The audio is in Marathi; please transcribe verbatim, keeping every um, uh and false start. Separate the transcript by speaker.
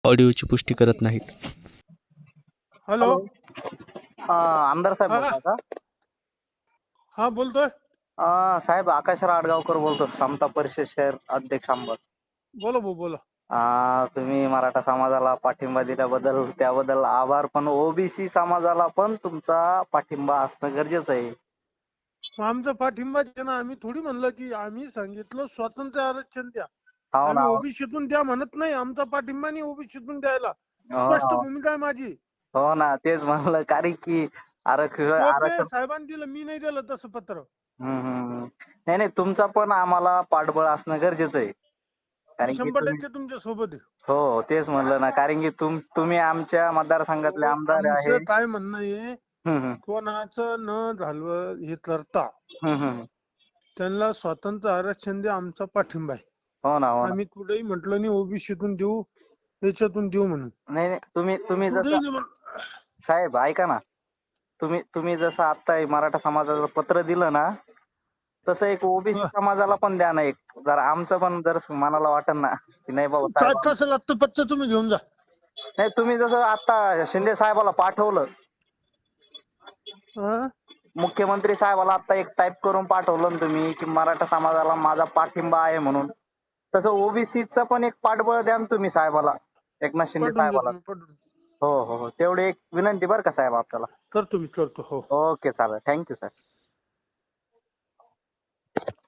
Speaker 1: ऑडिओची पुष्टी करत नाहीत.
Speaker 2: हॅलो.
Speaker 3: हॅलो. अ, आमदार साहेब
Speaker 2: हा
Speaker 3: बोलता का?
Speaker 2: हा बोलतोय.
Speaker 3: अ, साहेब आकाशराव आडगावकर बोलतो, समता परिषद शहर अध्यक्ष अंबड.
Speaker 2: बोला भाऊ बोला.
Speaker 3: अ, तुम्ही मराठा समाजाला पाठिंबा दिल्याबद्दल त्याबद्दल आभार, पण ओबीसी समाजाला पण तुमचा पाठिंबा असणं गरजेचं आहे.
Speaker 2: मग आमचा पाठिंबा आहे ना. आम्ही थोडी म्हणलं की आम्ही सांगितलं स्वातंत्र्य आरक्षण द्या.
Speaker 3: हो ना.
Speaker 2: आम्ही ओबीसीतून द्या म्हणत नाही. आमचा पाठिंबा नाही ओबीसीतून द्यायला.
Speaker 3: हो
Speaker 2: स्पष्ट
Speaker 3: ना.
Speaker 2: भूमिका आहे माझी.
Speaker 3: हो ना, तेच म्हणलं, कारण की आरक्षण
Speaker 2: टोपे
Speaker 3: आरक्षण
Speaker 2: साहेबांनी दिलं, मी नाही दिलं तसं पत्र.
Speaker 3: हम्म, हम्म. नाही नाही, तुमचा पण आम्हाला पाठबळ असणं गरजेचं आहे.
Speaker 2: मी
Speaker 3: कारण की
Speaker 2: शंभर
Speaker 3: तुम्ही
Speaker 2: टक्के तुमच्या सोबत आहे.
Speaker 3: हो तेच म्हणलं ना, कारण की तुम तुम्ही आमच्या मतदारसंघातले
Speaker 2: अहो,
Speaker 3: आमदार आहे.
Speaker 2: आमचं काय म्हणणं आहे,
Speaker 3: हम्म, हम्म.
Speaker 2: कोणाचं न झालं हे करता
Speaker 3: हम्म, हम्म.
Speaker 2: त्यांना स्वातंत्र्य आरक्षण द्या, आमचा पाठिंबा आहे.
Speaker 3: हो ना, हो ना.
Speaker 2: आम्ही कुठेही म्हटलं नाही ओबीसीतून देऊ, याच्यातून देऊ म्हणून.
Speaker 3: नाही नाही, तुम्ही तुम्ही जसं
Speaker 2: कुठेही नाही म्हण-
Speaker 3: साहेब ऐका ना, तुम्ही तुम्ही जसं आता हे मराठा समाजाचं पत्र दिलं ना, तसं एक ओबीसी
Speaker 2: हा.
Speaker 3: समाजाला पण द्या ना एक. जरा आमचं पण जर मनाला वाटन ना की नाही बाबा
Speaker 2: काय
Speaker 3: साहेब.
Speaker 2: तसं लागतं पत्र तुम्ही घेऊन जा.
Speaker 3: नाही, तुम्ही जसं आता शिंदे साहेबाला पाठवलं,
Speaker 2: हा?
Speaker 3: मुख्यमंत्री साहेबाला आता एक टाईप करून पाठवलं ना तुम्ही की मराठा समाजाला माझा पाठिंबा आहे म्हणून, तसं ओबीसीचं पण एक पाठबळ द्या ना तुम्ही साहेबाला, एकनाथ शिंदे
Speaker 2: पाठवून
Speaker 3: साहेबाला.
Speaker 2: देतो मी पाठवून.
Speaker 3: हो हो हो, तेवढी एक विनंती बरं का साहेब आपल्याला.
Speaker 2: करतो मी करतो हो.
Speaker 3: ओके, चालेल. थँक्यू साहेब.